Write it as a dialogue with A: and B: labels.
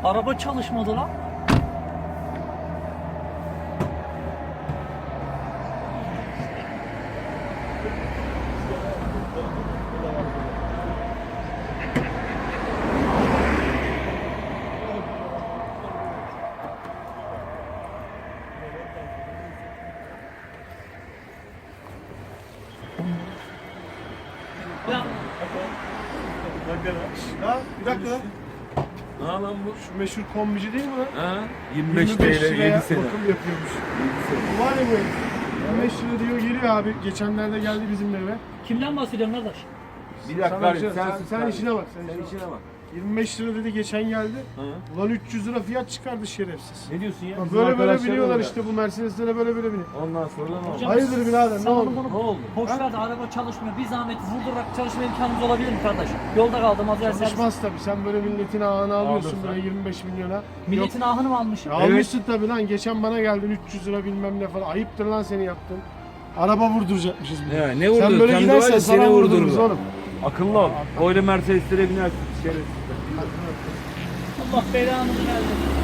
A: Araba çalışmadı lan. Ya
B: Ha, bir dakika lan.
C: Ne lan bu?
B: Şu meşhur kombici değil mi lan?
C: Ha? 25 TL
B: 25 liraya
C: 7 sene.
B: bakım yapıyormuş. Bu var ya bu herif. 25 lira diyor geliyor abi. Geçenlerde geldi bizim eve.
A: kimden bahsediyorsun kardeş?
C: Bir dakika
B: Sana
C: kardeşim,
B: bir şey- sen işine bak.
C: Sen işine bak.
B: 25 lira dedi geçen geldi.
C: Ha?
B: Ulan 300 lira fiyat çıkardı şerefsiz.
C: Ne diyorsun ya?
B: Bak
C: Bizim
B: böyle
C: arkadaşlar
B: biniyorlar
C: öyle.
B: işte bu Mercedeslere böyle biniyor.
C: Ondan sonra ne oldu?
A: Hocam,
B: Hayırdır birader ne
A: Sana
B: oldu?
A: bunu
C: Ne oldu?
A: boş ver de araba çalışmıyor. Bir zahmet vurdurarak çalışma imkanımız olabilir mi kardeş? Yolda kaldım az önce.
B: Çalışmaz tabii. Sen böyle milletin ağını alıyorsun
C: Aldın
B: böyle
C: sen.
B: 25 milyona.
A: Milletin ahını mı almışım?
B: Ya almışsın tabii lan. Geçen bana geldin 300 lira bilmem ne falan. Ayıptır lan seni yaptın. Araba vurduracakmışız bir de.
C: Ya ne vurdur?
B: Sen böyle
C: Sen de
B: gidersen
C: var ya,
B: sana
C: seni
B: vurdururuz
C: vurdururlar.
B: oğlum.
C: Akıllı ol. Öyle Mercedes'lere binersin. Şerefsiz.
A: Allah belanı versin.